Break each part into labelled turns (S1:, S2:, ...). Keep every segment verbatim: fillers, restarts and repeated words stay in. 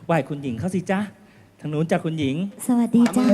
S1: ไหว้คุณหญิงเขาสิจ้าทางนู้นจ้าคุณหญิง
S2: สวัสดีจ้า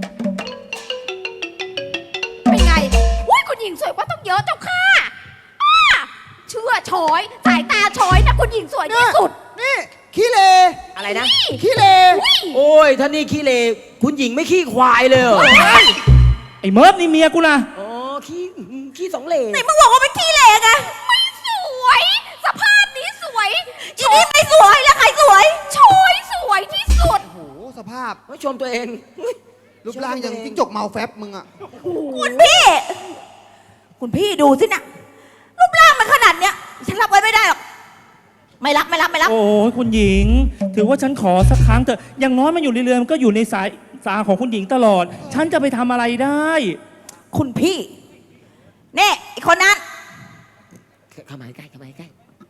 S3: เป็นไงอุ้ยคุณหญิงสวยกว่าต้องเยอะเจ้าค่ะเชื่อชอยสายตาชอยนะคุณหญิงสวยที่สุด
S4: นี่ขี้เล
S5: อะไรนะ
S4: ขี้เล
S5: โอ้ยท่านี่ขี้เลคุณหญิงไม่ขี้ควายเลยเหรอ
S1: ไอ้เมิร์ฟนี่เมียกูนะ
S5: อ๋อขี้ขี้สองเล
S3: ไหนมึงบอกว่าเป็นขี้เลไงไม่สวยสภาพนี้สวยอีนี่ไม่สวยแล้วใครสวยชอยสวยที่สุด
S4: โอ้โหสภาพ
S5: ไม่ชมตัวเอง
S4: รูปร่างยังจิ้งจกเมาแฟบมึงอ่ะ
S3: คุณพี่คุณพี่ดูสินะรูปร่างมันขนาดเนี้ยฉันรับไว้ไม่ได้หรอกไม่รับไม่รับไม่รับ
S1: โอ้ยคุณหญิงถือว่าฉันขอสักครั้งเถอะอย่างน้อยมันอยู่ในเรือมันก็อยู่ในสายสาของคุณหญิงตลอดฉันจะไปทำอะไรได้
S3: คุณพี่เน่ไอคนนั้น
S5: เข้ามาใกล้เข้ามาใกล้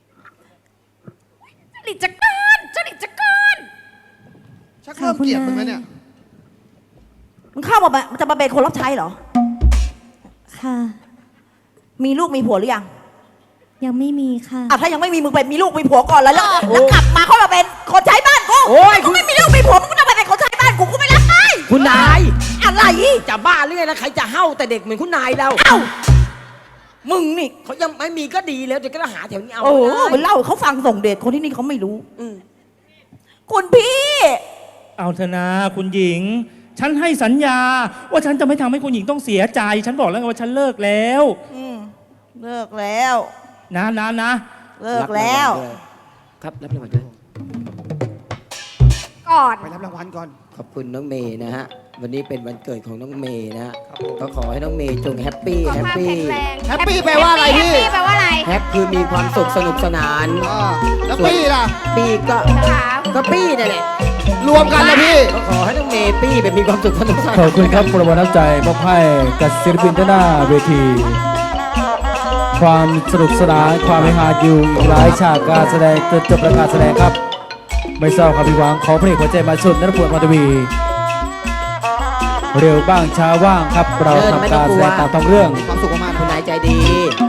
S3: จริตจักรานจริตจักราน
S4: ชักเริ่มเกลียดมึงไหมเนี่ย
S3: มึงเข้ามามันจะมาเป็นคนรับใช้เหรอ
S2: ค่ะ
S3: มีลูกมีผัวหรือยัง
S2: ยังไม่มีค่ะ
S3: อ่ะถ้ายังไม่มีมึงไปมีลูกมีผัวก่อนแล้วแล้วกลับมาเข้ามาเป็นคนใช้บ้านกู
S5: โอ้ย
S3: กูไม่มีลูกมีผัวมึงก็ต้องไปเป็นคนใช้บ้านกูกูไม่รับให้
S5: คุณนาย
S3: อะไร
S5: จะบ้าหรือไงนะใครจะเห่าแต่เด็กเหมือนคุณนายเรา
S3: เอ้ามึงนี่
S5: เขายังไม่มีก็ดีแล้วเดี๋ยวก็หาแถวนี้เอา
S3: โอ้มันเล่าเขาฟังส่งเดชคนที่นี่เขาไม่รู้คุณพี่
S1: เอาเถอะนะคุณหญิงฉันให้สัญญาว่าฉันจะไม่ทำให้คุณหญิงต้องเสียใจฉันบอกแล้วว่าฉันเลิกแล้ว
S3: เลิกแล้ว
S1: นะนะนะ
S3: เลิกแล้ว
S5: ครับรับรางวัลด้วย
S3: ก่อน
S4: ไปรับรางวัลก่อน
S5: ขอบคุณน้องเมย์นะฮะวันนี้เป็นวันเกิดของน้องเมย์นะฮะก็ขอให้น้องเมย์จงแฮปปี้แฮปปี้
S4: แฮปปี้แปลว่าอะไรพี่
S3: แฮปปี้แปลว่าอะไร
S5: แฮปคือมีความสุขสนุกสนาน
S4: แล้วปี้ล่ะ
S5: ปี้ก็ก็ปี้นั่นแหละ
S4: รวมกันนะพี่
S5: ก็ขอให้น้องเมย์ปี้แบบมีความสุขสนุกสนาน
S6: ขอบคุณครับประวัติน้ำใจมอบให้กับศิลปินด้านหน้าเวทีความสนุกสนานความเฮฮาอยู่อีกหลายฉากการแสดงจนจบรายการแสดงครับไม่เศร้าครับพี่หวังขอเพลงหัวใจมาสุดนัทพลมาทวีเร็วบ้างช้าว่างครับเราทำการแสดงตามท้องเรื่อง
S4: ความสุขมากๆ
S5: คุณนายใจดี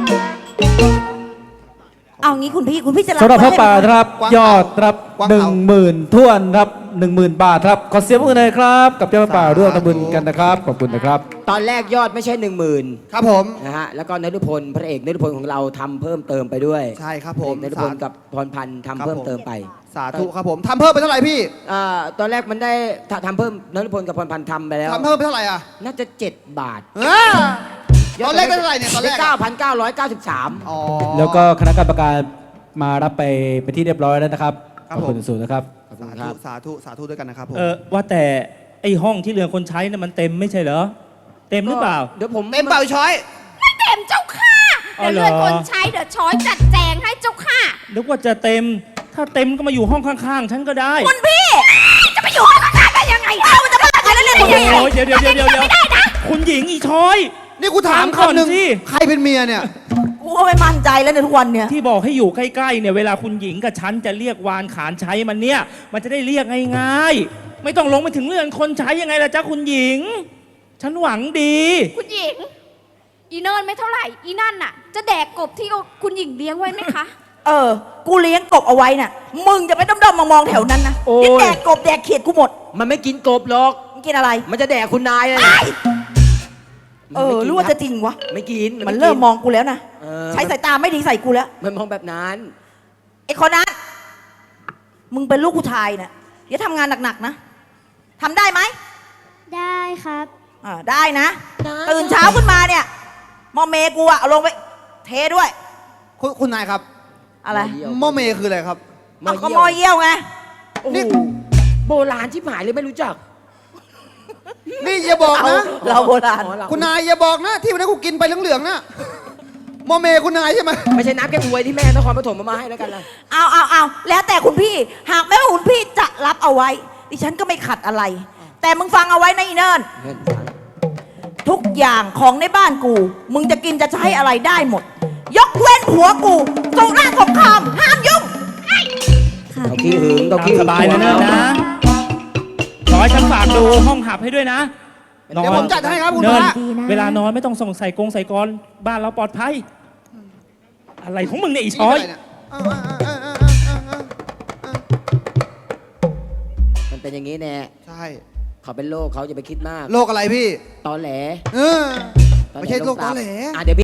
S3: เอางี้คุณพี่คุณพี่จะรับ
S6: สำหรับพ่อป่าครับยอดครับหนึ่งหมื่นท่วนครับหนึ่งหมื่นบาทครับขอเสียงปรบมือหน่อยครับกับเจ้าป่าร่วมทำบุญกันนะครับขอบคุณนะครับ
S5: ตอนแรกยอดไม่ใช่หนึ่งหมื่น
S4: ครับผม
S5: นะฮะแล้วก็นฤพลพระเอกนฤพลของเราทำเพิ่มเติมไปด้วย
S4: ใช่ครับผม
S5: นฤพลกับพรพันธ์ทำเพิ่มเติมไป
S4: สาธุครับผมทำเพิ่มไปเท่าไหร่พี่
S5: อ่าตอนแรกมันได้ทำเพิ่มนฤพลกับพรพันธ์ทำไปแล้ว
S4: ทำเพิ่มไปเท่าไหร่อ่ะ
S5: น่าจะเจ็ดบาท
S4: ตอนแรกได้เท่าไหร่เนี่ยตอนแรก
S5: เก้าพันเก้าร้อยเก้าสิบสาม
S6: แล้วก็คณะกรรมการมารับไปไปที่เรียบร้อยแล้วนะครับขอบคุณสูงนะครับ
S4: สาธุสาธุสาธุด้วยกันนะครับผม
S1: เออว่าแต่ไอห้องที่เรือคนใช้น่ะมันเต็มไม่ใช่เหรอเต็มหรือเปล่า
S5: เดี๋ยวผม
S4: เต็มเปล่าช้อย
S3: ไม่เต็มเจ้าค่ะเดี๋ยวเรือคนใช้เดี๋ยวช้อยจัดแจงให้เจ้าค่ะ
S1: นึกว่าจะเต็มถ้าเต็มก็มาอยู่ห้องข้างๆฉันก็ได้
S3: คุณพี่จะไปอยู่ห้องข้างๆได้ยังไงเอ้ามันจะมาอะไรแล้วเนี่ยคุณพี่
S1: เดี๋ยวเดี๋ยวเดี๋ยวเดี๋ยวไม่ได้นะคุณหญิงอีช้อย
S4: นี่กูถามคำหนึ่งใครเป็นเมียเนี่ย
S3: กูก็ไม่มั่นใจแล้วในทุกวันเนี่ย
S1: ที่บอกให้อยู่ใกล้ๆเนี่ยเวลาคุณหญิงกับฉันจะเรียกวานขานใช้มันเนี่ยมันจะได้เรียกง่ายๆไม่ต้องลงไปถึงเรือนคนใช้ยังไงล่ะจ๊ะคุณหญิงฉันหวังดี
S3: คุณหญิงอีเนิร์นไม่เท่าไหร่อีนั่นน่ะจะแดกกบที่คุณหญิงเลี้ยงไว้ไหมคะเออกูเลี้ยงกบเอาไว้น่ะมึงจะไปด้อมๆมองๆแถวนั้นนะนี่แดกกบแดกเขียดกูหมด
S5: มันไม่กินกบหรอก
S3: มันกินอะไร
S5: มันจะแดกคุณนายเลย
S3: เออรู้ว่าจะจริงวะ
S5: ไม่กิน
S3: มันเริ่มมองกูแล้วนะใช้สายตาไม่ดีใส่กูแล้ว
S5: มันมองแบบนั้น
S3: ไอ้คนนั้นมึงเป็นลูกผู้ชายเนี่ยอย่าทำงานหนักๆนะทำได้ไหม
S2: ได้ครับ
S3: อ่าได้นะตื่นเช้าขึ้นมาเนี่ยมอเมกูอะเอาลงไปเทด้วย
S4: คุณคุณนายครับ
S3: อะไร
S4: มอเมคืออะไรครับ
S3: เอาก็มอเยี่ยวไง
S5: นี่โบราณที่หายเลยไม่รู้จัก
S4: นี่อย่าบอกนะ
S3: เราโบราณ
S4: คุณนายอย่าบอกนะที่วันนั้นกูกินไปเหลืองๆนะโมเมคุณนายใช่ไหม
S5: ไม่ใช่น้ำแกงบวยที่แม่นครปฐมมาให้แล้วกันล่ะ
S3: เอาเอาเอาแล้วแต่คุณพี่หากแม้ว่าคุณพี่จะรับเอาไว้ดิฉันก็ไม่ขัดอะไรแต่มึงฟังเอาไว้นะอีเนิร์นทุกอย่างของในบ้านกูมึงจะกินจะใช้อะไรได้หมดยกเว้นผัวกูสุราสงครามห้ามยุ่ง
S5: ต้องขี้หึงต้องขี้
S1: สบายนะนะขอให้ฉันฝากดูห้องหับให้ด้วยนะ
S4: เดี๋ยวผมจัดให้ครับคุณ
S1: พระเวลานอนไม่ต้องส่งใส่กรงใส่กรบ้านเราปลอดภัยอะไรของมึงเนี่ยอีช้อย
S5: มันเป็นอย่างนี้แน่
S4: ใช่
S5: เขาเป็นโรคเขาอย่าไปคิดมาก
S4: โรคอะไรพี่
S5: ตอแหล
S4: เออ ไม่ใช่โรคตอแหล
S5: อ่ะเดี๋ยวพี่